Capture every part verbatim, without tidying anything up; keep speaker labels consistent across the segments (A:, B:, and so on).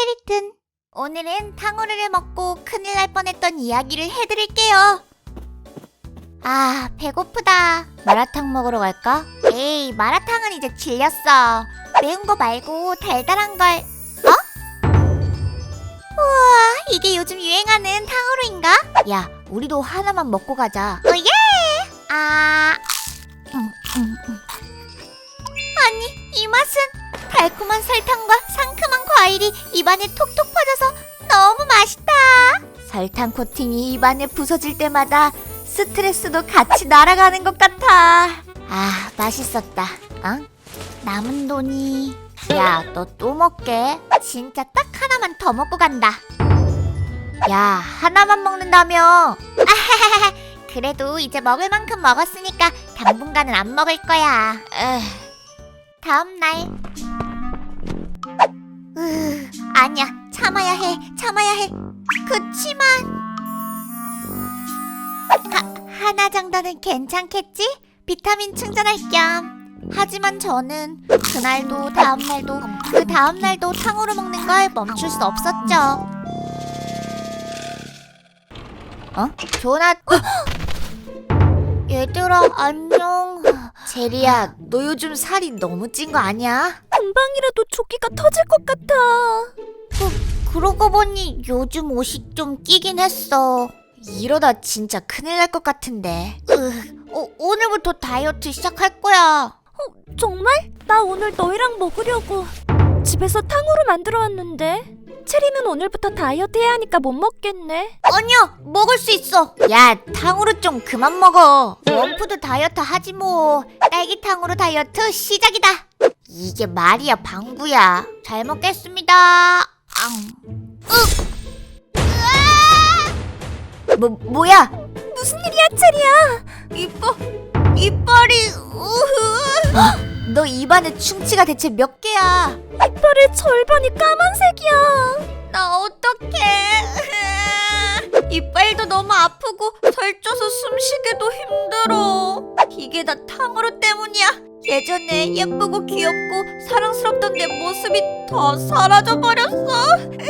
A: 스켈리튼. 오늘은 탕후루를 먹고 큰일 날 뻔했던 이야기를 해드릴게요. 아, 배고프다. 마라탕 먹으러 갈까? 에이, 마라탕은 이제 질렸어. 매운 거 말고 달달한 걸. 어? 우와, 이게 요즘 유행하는 탕후루인가? 야, 우리도 하나만 먹고 가자. 어, 예! 아... 음, 음, 음. 아니, 이 맛은 달콤한 설탕과 상큼한 과일이 입안에 톡톡 퍼져서 너무 맛있다. 설탕 코팅이 입안에 부서질 때마다 스트레스도 같이 날아가는 것 같아. 아, 맛있었다. 어? 남은 돈이... 야, 너 또 먹게? 진짜 딱 하나만 더 먹고 간다. 야, 하나만 먹는다며? 아하하하. 그래도 이제 먹을 만큼 먹었으니까 당분간은 안 먹을 거야. 에휴. 다음 날. 으, 아니야, 참아야 해, 참아야 해. 그치만 하, 하나 정도는 괜찮겠지? 비타민 충전할 겸. 하지만 저는 그날도 다음날도 그 다음날도 탕후루 먹는 걸 멈출 수 없었죠. 어? 전화... 얘들아, 안녕. 제리야, 너 요즘 살이 너무 찐 거 아니야?
B: 금방이라도 조끼가 터질 것 같아.
A: 그, 그러고 보니 요즘 옷이 좀 끼긴 했어. 이러다 진짜 큰일 날 것 같은데. 으, 어, 오늘부터 다이어트 시작할 거야.
B: 어, 정말? 나 오늘 너희랑 먹으려고 집에서 탕후루 만들어 왔는데. 체리는 오늘부터 다이어트 해야 하니까 못 먹겠네.
A: 아니야, 먹을 수 있어. 야, 탕후루 좀 그만 먹어. 원푸드 다이어트 하지 뭐. 딸기탕후루 다이어트 시작이다. 이게 말이야, 방구야. 잘 먹겠습니다. 앙. 으. 으아! 뭐, 뭐야?
B: 무슨 일이야, 체리야?
A: 이뻐, 이빨이. 우후. 너 입안에 충치가 대체 몇 개야?
B: 이빨의 절반이 까만색이야.
A: 나 어떡해. 이빨도 너무 아프고 살쪄서 숨쉬기도 힘들어. 이게 다 탕후루 때문이야. 예전에 예쁘고 귀엽고 사랑스럽던 내 모습이 다 사라져버렸어.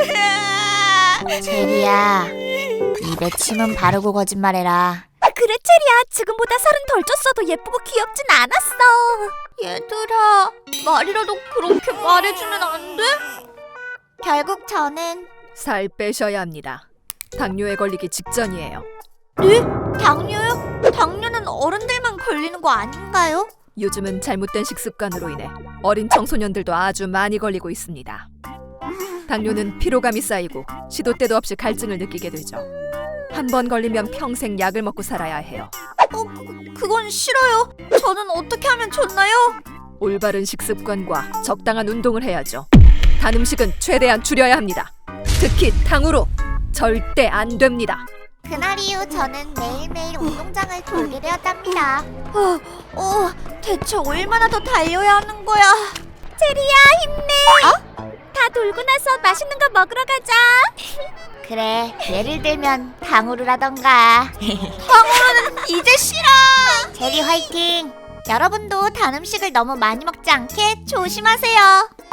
A: 제리야, 입에 침은 바르고 거짓말해라.
B: 그래, 체리야. 지금보다 살은 덜 쪘어도 예쁘고 귀엽진 않았어.
A: 얘들아, 말이라도 그렇게 말해주면 안 돼? 결국 저는...
C: 살 빼셔야 합니다. 당뇨에 걸리기 직전이에요.
A: 네? 당뇨요? 당뇨는 어른들만 걸리는 거 아닌가요?
C: 요즘은 잘못된 식습관으로 인해 어린 청소년들도 아주 많이 걸리고 있습니다. 당뇨는 피로감이 쌓이고 시도 때도 없이 갈증을 느끼게 되죠. 한 번 걸리면 평생 약을 먹고 살아야 해요.
A: 어, 그, 그건 싫어요. 저는 어떻게 하면 좋나요?
C: 올바른 식습관과 적당한 운동을 해야죠. 단 음식은 최대한 줄여야 합니다. 특히 탕후루 절대 안 됩니다.
A: 그날 이후 저는 매일매일 운동장을 돌게 되었답니다. 어, 어, 대체 얼마나 더 달려야 하는 거야?
B: 체리야, 힘내.
A: 어?
B: 다 돌고 나서 맛있는 거 먹으러 가자.
A: 그래, 예를 들면 탕후루라던가. 탕후루는 이제 싫어. 제리 화이팅. 여러분도 단 음식을 너무 많이 먹지 않게 조심하세요.